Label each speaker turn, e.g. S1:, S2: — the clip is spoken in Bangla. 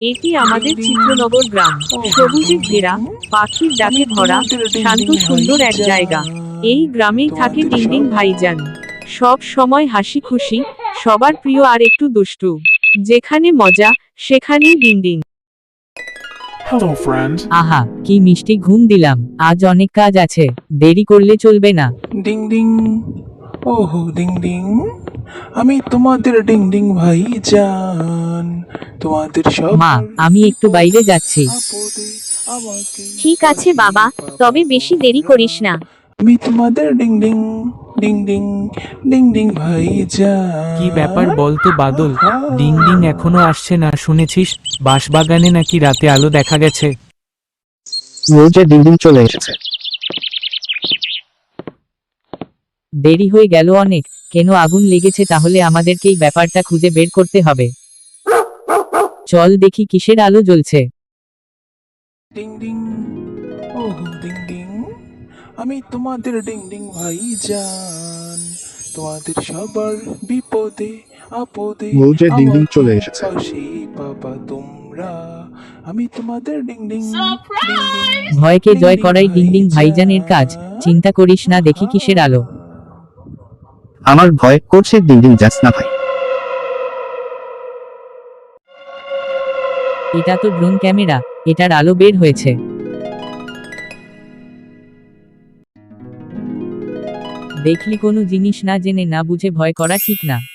S1: এটি আমাদের চিত্রনগর গ্রাম। সবুজে ঘেরা, পাখির ডাকে ভরা, শান্ত সুন্দর এক জায়গা। এই গ্রামেই থাকে ডিংডিং ভাইজান। সব সময় হাসি খুশি, সবার প্রিয় আর একটু দুষ্টু। যেখানে মজা, সেখানেই ডিংডিং।
S2: Hello, friend.
S3: আহা, কি মিষ্টি ঘুম দিলাম। আজ অনেক কাজ আছে, দেরি করলে চলবে না।
S2: ডিং ডিং, ওহো ডিং ডিং, আমি তোমাদের ডিং ডিং ভাই জান, তোমাদের সব
S3: মা, আমি একটু বাইরে যাচ্ছি।
S2: আপদে আমাকে
S4: ঠিক আছে বাবা, তবে বেশি দেরি করিস না।
S2: আমি তোমাদের ডিং ডিং ডিং ডিং ডিং ডিং ভাই জান।
S5: কি ব্যাপার বলতো বাদল, ডিং ডিং এখনো আসছে না? শুনেছিস বাঁশবাগানে নাকি রাতে আলো দেখা গেছে।
S6: নিউজে ডিংডিং চলে এসেছে।
S3: দেরি হয়ে গেল অনেক। কেন আগুন লেগেছে? তাহলে আমাদেরকেই ব্যাপারটা খুঁজে বের করতে হবে। চল দেখি কিসের আলো জ্বলছে।
S2: ডিং ডিং, ওহো ডিং ডিং, আমি তোমাদের ডিং ডিং ভাই জান, তোমাদের সবার বিপদে আপদে
S6: নিউজে ডিংডিং
S2: আমাকে
S6: চলে এসেছে।
S2: পাশে পাবা তোমরা, আমি তোমাদের ডিং ডিং
S3: ভয়কে জয় করাই ডিংডিং ভাইজানের কাজ। চিন্তা করিস না, দেখি কিসের আলো।
S6: আমার ভয় করছে ডিংডিং যাস না ভাই।
S3: এটা তো ড্রোন ক্যামেরা, এটার আলো বের হয়েছে। দেখলি, কোনো জিনিস না জেনে না বুঝে ভয় করা ঠিক না।